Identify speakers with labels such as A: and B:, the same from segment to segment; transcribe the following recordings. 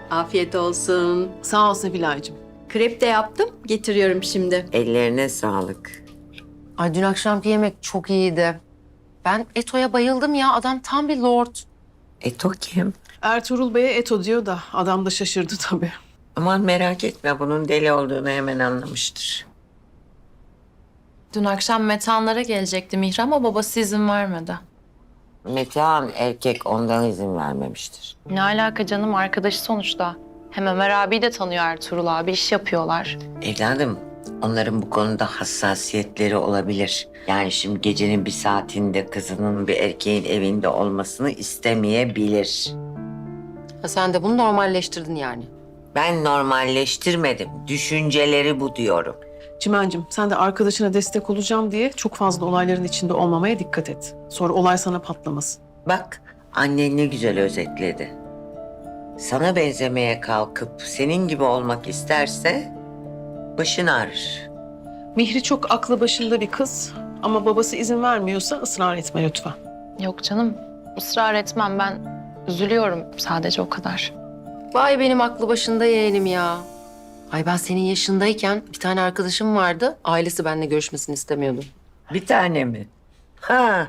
A: Afiyet olsun.
B: Sağ ol Sevilay'cığım.
A: Krep de yaptım. Getiriyorum şimdi.
C: Ellerine sağlık.
D: Ay dün akşamki yemek çok iyiydi. Ben Eto'ya bayıldım ya. Adam tam bir lord.
C: Eto kim?
B: Ertuğrul Bey'e Eto diyor da adam da şaşırdı tabii.
C: Aman merak etme, bunun deli olduğunu hemen anlamıştır.
E: Dün akşam Metehanlara gelecekti Mihri ama babası izin vermedi.
C: Metehan erkek, ondan izin vermemiştir.
E: Ne alaka canım, arkadaşı sonuçta. Hem Ömer abi de tanıyor Ertuğrul abi, iş yapıyorlar.
C: Evladım, onların bu konuda hassasiyetleri olabilir. Yani şimdi gecenin bir saatinde kızının bir erkeğin evinde olmasını istemeyebilir.
D: Ha, sen de bunu normalleştirdin yani.
C: Ben normalleştirmedim. Düşünceleri bu diyorum.
B: Çimen'cim sen de arkadaşına destek olacağım diye çok fazla olayların içinde olmamaya dikkat et. Sonra olay sana patlamasın.
C: Bak, annen ne güzel özetledi. Sana benzemeye kalkıp senin gibi olmak isterse başın ağrır.
B: Mihri çok aklı başında bir kız ama babası izin vermiyorsa ısrar etme lütfen.
E: Yok canım, ısrar etmem, ben üzülüyorum sadece, o kadar.
D: Vay benim aklı başında yeğenim ya. Ay ben senin yaşındayken bir tane arkadaşım vardı. Ailesi benimle görüşmesini istemiyordu.
C: Bir tane mi? Ha,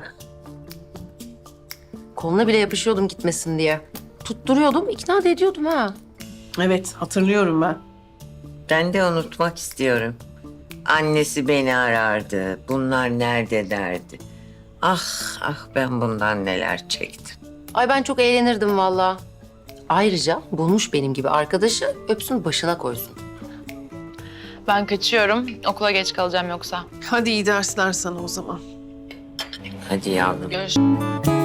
D: Koluna bile yapışıyordum gitmesin diye. Tutturuyordum, ikna da ediyordum ha.
B: Evet hatırlıyorum ben.
C: ben de unutmak istiyorum. Annesi beni arardı. Bunlar nerede derdi. Ah ah, ben bundan neler çektim.
D: Ay ben çok eğlenirdim vallahi. Ayrıca bulmuş benim gibi arkadaşı öpsün başına koysun.
E: Ben kaçıyorum, okula geç kalacağım yoksa.
B: Hadi iyi dersler sana o zaman.
C: Hadi yavrum.
E: Görüşürüz.